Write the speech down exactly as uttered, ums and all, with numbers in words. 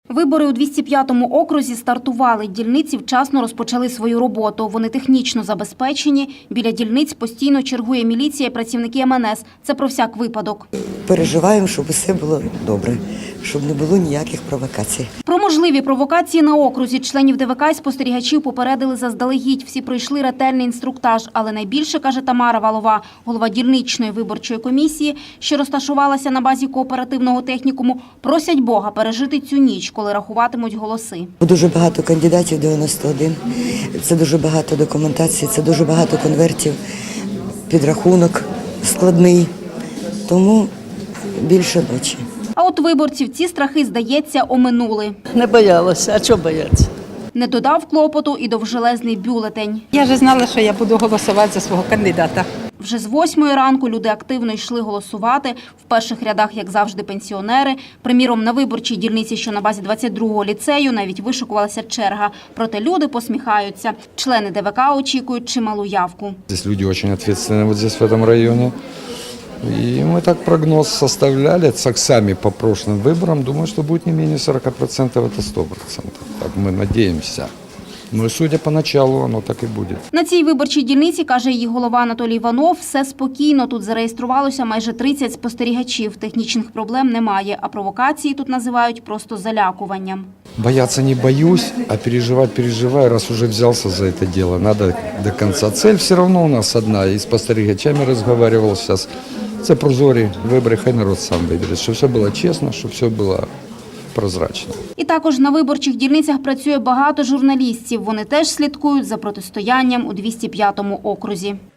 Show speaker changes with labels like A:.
A: Вибори у двісті п'ятому окрузі стартували. Дільниці вчасно розпочали свою роботу. Вони технічно забезпечені. Біля дільниць постійно чергує міліція і працівники ем ен ес. Це про всяк випадок.
B: Переживаємо, щоб усе було добре, щоб не було ніяких провокацій.
A: Про можливі провокації на окрузі членів де ве ка і спостерігачів попередили заздалегідь. Всі пройшли ретельний інструктаж. Але найбільше, каже Тамара Валова, голова дільничної виборчої комісії, що розташувалася на базі кооперативного технікуму, просять Бога пережити цю ніч, коли рахуватимуть голоси.
B: Дуже багато кандидатів, дев'яносто один. Це дуже багато документації, це дуже багато конвертів, підрахунок складний. Тому більше ночі.
A: А от виборців ці страхи, здається, оминули.
C: Не боялася, а чого бояться?
A: Не додав клопоту і довжелезний бюлетень.
D: Я вже знала, що я буду голосувати за свого кандидата.
A: Вже з восьмої ранку люди активно йшли голосувати. В перших рядах, як завжди, пенсіонери. Приміром, на виборчій дільниці, що на базі двадцять другого ліцею, навіть вишикувалася черга. Проте люди посміхаються. Члени де ве ка очікують чималу явку.
E: Здесь люди очень ответственные вот здесь, в этом районе. И мы так прогноз составляли, так сами по прошлым выборам, думаю, что будет не менее сорока процентов, это сто процентов. Так мы надеемся. Ну и судя по началу, оно так і буде.
A: На цій виборчій дільниці, каже її голова Анатолій Іванов, все спокійно. Тут зареєструвалося майже тридцять спостерігачів. Технічних проблем немає, а провокації тут називають просто залякуванням.
E: Бояться не боюсь, а переживать переживаю, раз уже взялся за это дело. Надо до конца. Цель все равно у нас одна. И с спостерігачами разговаривал сейчас. Це прозорі вибори, хай народ сам вибере. Щоб все було чесно, щоб все було прозрачно.
A: І також на виборчих дільницях працює багато журналістів. Вони теж слідкують за протистоянням у двісті п'ятому окрузі.